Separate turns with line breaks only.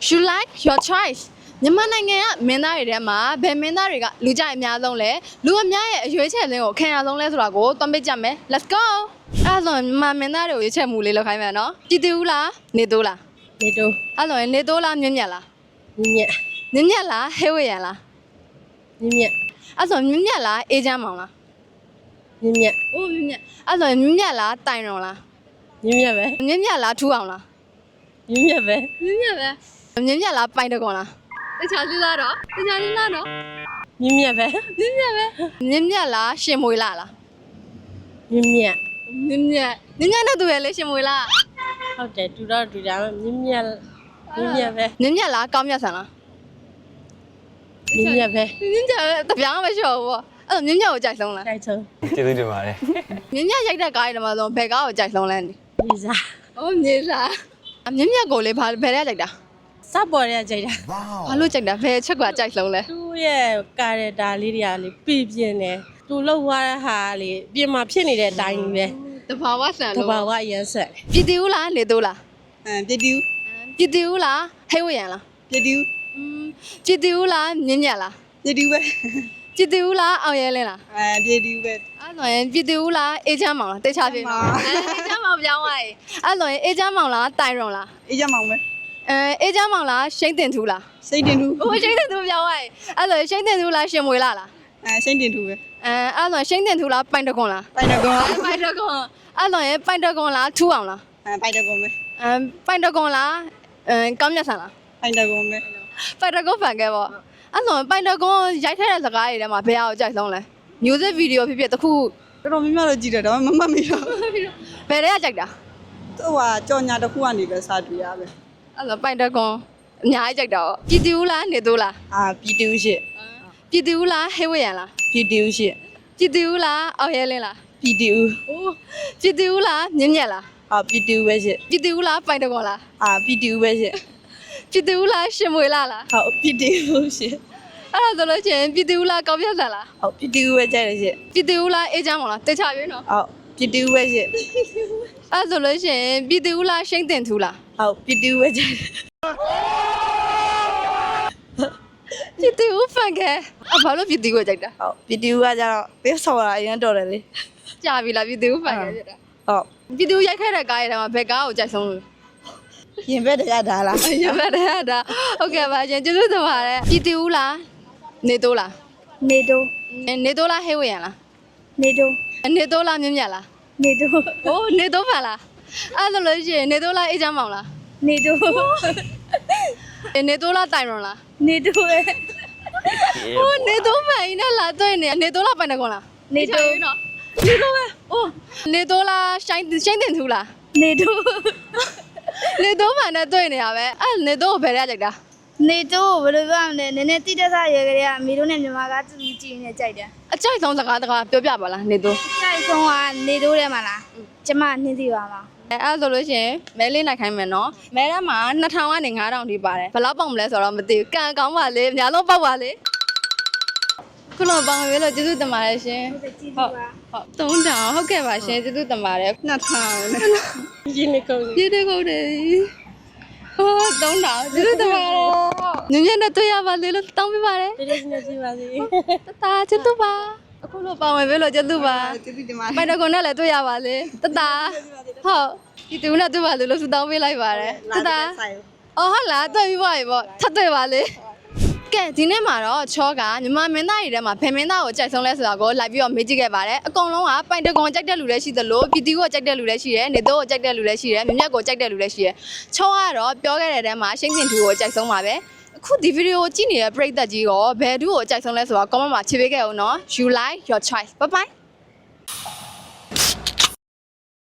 You like your choice မြန်မာနိုင်ငံကမင်းသားတွေထဲမှာဘယ်မင်းသားတွေကလူကြိုက်အများဆုံးလဲလူအများရဲ့အရွေးချယ်ခြင်းကိုခံရဆုံးလဲဆိုတာကိုတွန်းပေးကြမယ် Let's go အဲ့ဆိုမြန်မာမင်းသားတွေကိုရွေးချယ်မှုလေးလောက်ခိုင်းမယ်နော်ကြည်တူးလားနေတိုးလားနေတိုးအဲ့ဆိုနေတိုးလားမြင့်မြတ်လားမြင့်မြတ်မြင့်မြတ်လားဟဲဝေရန်လားမြင့်မြတ်အဲ့ဆိုမြင့်မြတ်လားအေးချမ်းမောင်လားမြင့်မြတ်အိုးမြင့်မြတ်အဲ့ဆိုမြင့်မြတ်လားတိုင်ရုံလားမြင့်မြတ်ပဲမြင့်မြတ်လားထူအောင်လားမြင့်မြတ်ပဲမြင့်မြတ်ပဲမြင့်မြတ်လားပိုင်တကွန်လားတခြားလေးလားတော့တခြားလေးလားတော့မြင့်မြတ်ပဲမြင့်မြတ်ပဲမြင့်မြတ်လားရှင်မွေလားမြင့်မြတ်မြင့်မြတ်မြင့်မြတ်နဲ့တူရလေရှင်မွေလားဟုတ်တယ်တူတော့တူတယ်မြင့်မြတ်မြင့်မြတ်ပဲမြင့်မြတ်လားကောင်းမြတ်ဆန်လားမြင့်မြတ်ပဲမြင့်မြတ်ပဲတပြောင်းမလျှော်ဘူးပေါ့အဲ့မြင့်မြတ်ကိုကြိုက်ဆုံးလားကြိုက်ဆုံးကျေးဇူးတင်ပါတယ်မြင့်မြတ်ရိုက်တဲ့ကားတွေမှာဆိုဘယ်ကားကိုကြိုက်ဆုံးလဲမြေစာအော်မြေစာမြင့်မြတ်ကိုလေဘယ်ထဲကြိုက်တာစပေါ်ရဲကြိုက်တာဘာလို့ကြိုက်တာဘယ်ချက်ကကြိုက်ဆုံးလဲသူ့ရဲ့ကာရက်တာလေးတွေကလေပြပြင်းတယ်သူလှုပ်သွားတဲ့ဟာလေပြင်မှာဖြစ်နေတဲ့အတိုင်းပဲတဘာဝဆန်လို့တဘာဝရမ်းဆက်ပြည်တီဦးလားနေတိုးလားပြည်တီဦးပြည်တီဦးလားဟဲဝရန်လားပြည်တီဦးပြည်တီဦးလားမြင့်မြတ်လားပြည်တီဦးပဲပြည်တီဦးလားအောင်ရဲလင်းလားပြည်တီဦးပဲအဲ့ဆိုရင်ပြည်တီဦးလားအေးချမ်းမောင်လားတေချာပြေနော်အေးချမ်းမောင်ပြောင်းသွားပြီအဲ့ဆိုရင်အေးချမ်းမောင်လားတိုင်ရုံလားအေးချမ်းမောင်ပဲအေးချမ်းမောင်လားရှိန်တင်ထူလားရှိန်တင်ထူဟိုရှိန်တင်ထူပြောင်းသွားပြီအဲ့ဆိုရှိန်တင်ထူလားရှင်မွေလားရှိန်တင်ထူပဲအဲ့ဆိုရှိန်တင်ထူလားပိုင်တကွန်လားပိုင်တကွန်ပိုင်တကွန်အဲ့ဆိုရင်ပိုင်တကွန်လားထူအောင်လားပိုင်တကွန်ပဲပိုင်တကွန်လားကောင်းမြတ်ဆန်လားပိုင်တကွန်ပဲပိုင်တကွန်ဖန်ခဲ့ပေါ့အဲ့ဆိုပိုင်တကွန်ရိုက်ထည့်တဲ့စကားတွေထဲမှာဘယ်ဟာကိုကြိုက်ဆုံးလဲ music video ဖြစ်ဖြစ်တခုတော်တော်များများတော့ကြည့်တယ်ဒါပေမဲ့မမှတ်မိတော့ဘယ်တွေကကြိုက်တာသူကကြော်ညာတစ်ခုကနေပဲစတွေ့ရပဲအဲ့တော့ပိုင်တကွန်အများကြီးကြိုက်တာပေါ့ပြည်တီဦးလားနေတိုးလားပြည်တီဦးရှိပြည်တီဦးလားဟဲဝရန်လားပြည်တီဦးရှိပြည်တီဦးလားအောင်ရဲလင်းလားပြည်တီဦးအိုးပြည်တီဦးလားမြင့်မြတ်လားပြည်တီဦးပဲရှိပြည်တီဦးလားပိုင်တကွန်လားပြည်တီဦးပဲရှိပြည်တီဦးလားရှင်မွေလားဟုတ်ပြည်တီဦးရှိအဲ့ဒါဆိုလို့ချင်းပြည်တီဦးလားကောင်းပြတ်ဆန်လားဟုတ်ပြည်တီဦးပဲကြိုက်တယ်ရှိပြည်တီဦးလားအေးချမ်းမောင်လားတေချာရွေးနော်ဟုတ်ပြည်တီဦးပဲရှိအဲ့ဆိုလို့ချင်းပြည်တီဦးလားရှိန်တင်ထူလားဟုတ်ပြည်တီဦးပဲကြိုက်တယ်ပြည်တီဦးဖန်ခဲဘာလို့ပြည်တီဦးကိုကြိုက်တာဟုတ်ပြည်တီဦးကကျတော့ပေးဆော်တာအရင်တော်တယ်လေကြာပြီလားပြည်တီဦးဖန်ခဲဖြစ်တာဟုတ်ပြည်တီဦးရိုက်ခဲ့တဲ့ကားတွေမှာဘယ်ကားကိုကြိုက်ဆုံးလို့ရင်ဘက်တရတာလားရင်ဘက်တရတာဟုတ်ကဲ့ပါရှင်ကျေးဇူးတင်ပါတယ်ပြည်တီဦးလားနေတိုးလားနေတိုးနေတိုးလားဟဲဝရန်လားနေတိုးနေတိုးလားမြင့်မြတ်လားနေတိုးဟိုနေတိုးဖန်လားအဲ့လိုလို့ရှိရင်နေတိုးလားအေးချမ်းမောင်လားနေတိုးနေတိုးလားတိုင်ရွန်လားနေတိုးပဲဟိုနေတိုးဖန်ကြီးနဲ့လာတွေ့နေနေတိုးလားပိုင်တကွန်လားနေတိုးနော်နေတိုးပဲအိုးနေတိုးလားရှိုင်းတင်ထူလားနေတိုးနေတိုးဖန်နဲ့တွေ့နေရပဲအဲ့နေတိုးကိုဘယ်ထဲကြိုက်တာနေတိုးဘယ်လိုပြောရမလဲနည်းနည်းတိတက်ဆရဲကလေးကအမေတို့နဲ့မြန်မာကတူကြည့်နေကြိုက်တယ်အကြိုက်ဆုံးစကားပြောပြပါလားနေတိုးအကြိုက်ဆုံးကနေတိုးထဲမှာလားကျမနှင်းစီပါမှာအဲ့ဆိုလို့ရှိရင်မဲလေးနိုင်ခိုင်းမယ်နော်မဲထဲမှာ2000ကနေ9000ထိပါတယ်ဘယ်လောက်ပေါက်မလဲဆိုတော့မသိဘူးကံကောင်းပါလေအများဆုံးပေါက်ပါလေခုလုံးပေါင်းရွေးလို့ကျေးဇူးတင်ပါတယ်ရှင်ဟုတ်3000ဟုတ်ကဲ့ပါရှင်ကျေးဇူးတင်ပါတယ်2000ရင်းနေကုန်တယ်ဟို3000ကျေးဇူးတင်ပါတယ်ညညနဲ့တွေ့ရပါလေလို့တောင်းပေးပါတယ်ကျေးဇူးတင်ပါစေတကျေးဇူးပါအခုလိုပေါင်းရွေးလို့ကျေးဇူးပါကျေးဇူးတင်ပါတယ်ပိုင်တကွန်နဲ့လည်းတွေ့ရပါလေတဟုတ်ဒီတူနဲ့တွေ့ပါလို့ဆုတောင်းပေးလိုက်ပါတယ်အော်ဟုတ်လားတွေ့ပြီးပါပြီပေါ့ထပ်တွေ့ပါလေကဲဒီနေ့မှာတော့ချောကမြန်မာမင်းသားတွေထဲမှာဘယ်မင်းသားကိုကြိုက်ဆုံးလဲဆိုတာကိုလိုက်ပြီးတော့မေးကြည့်ခဲ့ပါတယ်အကုန်လုံးကပိုင်တကွန်ကြိုက်တဲ့လူလည်းရှိသလိုပြည်တီကိုကြိုက်တဲ့လူလည်းရှိတယ်နေတိုးကိုကြိုက်တဲ့လူလည်းရှိတယ်မြမြတ်ကိုကြိုက်တဲ့လူလည်းရှိတယ်ချောကတော့ပြောခဲ့တဲ့တဲမှာရှိန်တင်ထူကိုကြိုက်ဆုံးပါပဲအခုဒီဗီဒီယိုကိုကြည့်နေတဲ့ပရိသတ်ကြီးရောဘယ်သူကိုကြိုက်ဆုံးလဲဆိုတာ comment မှာခြေပေးခဲ့အောင်နော် You like your choice bye bye